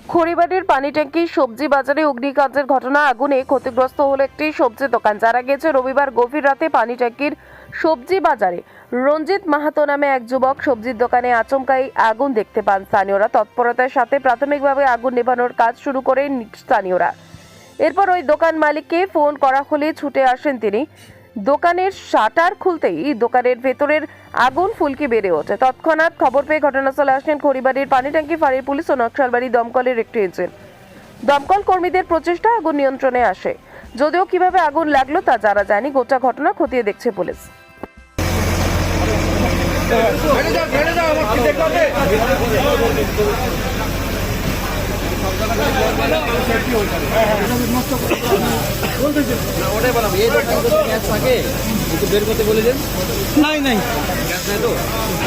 খড়িবাড়ির পানি ট্যাঙ্কি সবজি বাজারে অগ্নিকাণ্ডের ঘটনা। আগুনে ক্ষতিগ্রস্ত হলো একটি সবজি দোকান। জানা গেছে রবিবার গভীর রাতে পানি ট্যাঙ্কির সবজি বাজারে রঞ্জিত মাহাতো নামে এক যুবক সবজির দোকানে আচমকাই আগুন দেখতে পান। স্থানীয়রা তৎপরতার সাথে প্রাথমিকভাবে আগুন নেভানোর কাজ শুরু করেন স্থানীয়রা। এরপর ওই দোকান মালিককে ফোন করা হলে ছুটে আসেন তিনি। দোকানের শাটার খুলতেই দোকানের ভেতরের আগুন ফুলকি বেড়ে ওঠে। তৎক্ষণাৎ খবর পেয়ে ঘটনাস্থলে আসেন খড়িবাড়ির পানি ট্যাঙ্কি ফাঁড়ির পুলিশ ও নকশালবাড়ি দমকলের একটি ইঞ্জিন। দমকল কর্মীদের প্রচেষ্টা আগুন নিয়ন্ত্রণে আসে। যদিও কিভাবে আগুন লাগলো তা জানা যায়নি। গোটা ঘটনা খতিয়ে দেখছে পুলিশ। ওটাই বললাম এই দোকানে তো গ্যাস থাকে একটু বের করতে বলে দেন। নাই গ্যাস নাই তো।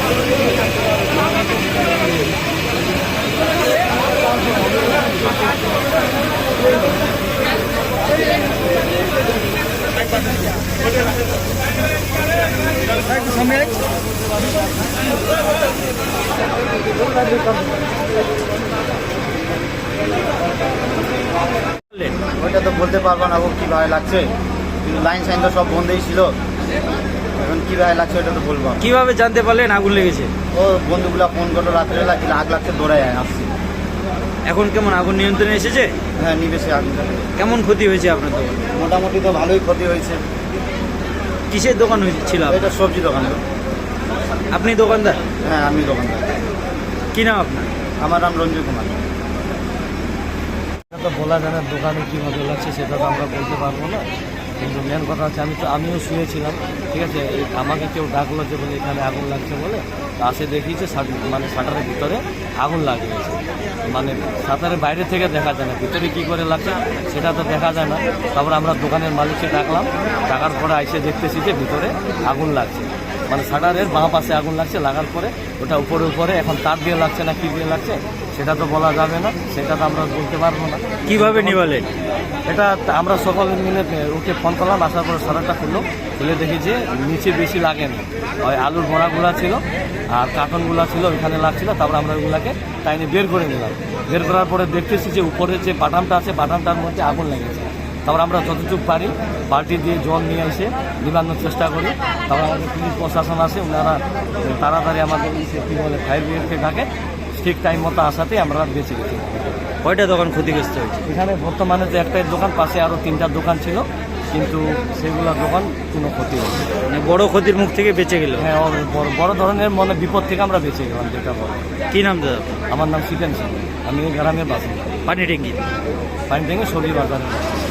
ওইটা তো বলতে পারবো না ও কীভাবে লাগছে, কিন্তু লাইন সাইন তো সব বন্ধই ছিল। এখন কীভাবে লাগছে ওটা তো বলবো না। কিভাবে জানতে পারলেন আগুন লেগেছে? ও বন্ধুগুলা ফোন করলো রাত্রেবেলা, কিন্তু আগ লাগছে দৌড়ায় আসছি। এখন কেমন আগুন নিয়ন্ত্রণে এসেছে? হ্যাঁ, নিবেশে আগুনটা। কেমন ক্ষতি হয়েছে আপনার দোকান? মোটামুটি তো ভালোই ক্ষতি হয়েছে। কিসের দোকান ছিল আপনার? এটা সবজি দোকান তো। আপনি দোকানদার? হ্যাঁ, আমি দোকানদার। কি নাম আপনার? আমার নাম রঞ্জিত কুমার। তো বলা যায় না দোকানে কীভাবে লাগছে সেটা তো আমরা বলতে পারবো না, কিন্তু মেন কথা হচ্ছে আমিও শুয়েছিলাম, ঠিক আছে। আমাকে কেউ ডাকলো যে বলে এখানে আগুন লাগছে বলে, আসে দেখিয়েছে মানে শাটারের ভিতরে আগুন লাগিয়েছে। মানে শাটারের বাইরে থেকে দেখা যায় না, ভিতরে কী করে লাগছে সেটা তো দেখা যায় না। তারপর আমরা দোকানের মালিককে ডাকলাম, ডাকার পরে আইসে দেখতেছি যে ভিতরে আগুন লাগছে, মানে শাটারের বাঁ পাশে আগুন লাগছে। লাগার পরে ওটা উপরে এখন তার দিয়ে লাগছে না কী দিয়ে লাগছে সেটা তো বলা যাবে না, সেটা তো আমরা বলতে পারবো না। কিভাবে নিভালেন? এটা আমরা সকলে মিলে ওকে ফোন করলাম, আসার পরে শাটারটা খুলে দেখি যে নিচে বেশি লাগেনি, ওই আলুর বড়াগুলো ছিল আর কার্টনগুলো ছিল ওইখানে লাগছিল। তারপরে আমরা ওইগুলাকে টাইনে বের করে নিলাম। বের করার পরে দেখতেছি যে উপরে যে বাটামটা আছে বাটামটার মধ্যে আগুন লেগেছে। তারপর আমরা যতটুকু পারি বালতি দিয়ে জল নিয়ে এসে নিবানোর চেষ্টা করি। তারপর আমাদের পুলিশ প্রশাসন আসে, ওনারা তাড়াতাড়ি আমাদের কী বলে ফায়ার ব্রিগেডকে ডাকে। ঠিক টাইম মতো আসাতেই আমরা বেঁচে গেছি। কয়টা দোকান ক্ষতিগ্রস্ত হয়েছে? এখানে বর্তমানে যে একটাই দোকান, পাশে আরও 3টা দোকান ছিল, কিন্তু সেগুলো দোকান কোনো ক্ষতি হয়নি। মানে বড় ক্ষতির মুখ থেকে বেঁচে গেল? হ্যাঁ, বড় ধরনের বিপদ থেকে আমরা বেঁচে গেলাম, যেটা বড়। কি নাম দাদা? আমার নাম সিকেন সিং, আমি এই গ্রামের বাসিন্দা। পানি ট্যাঙ্কি পানি ট্যাঙ্কি সবজি বাজারে।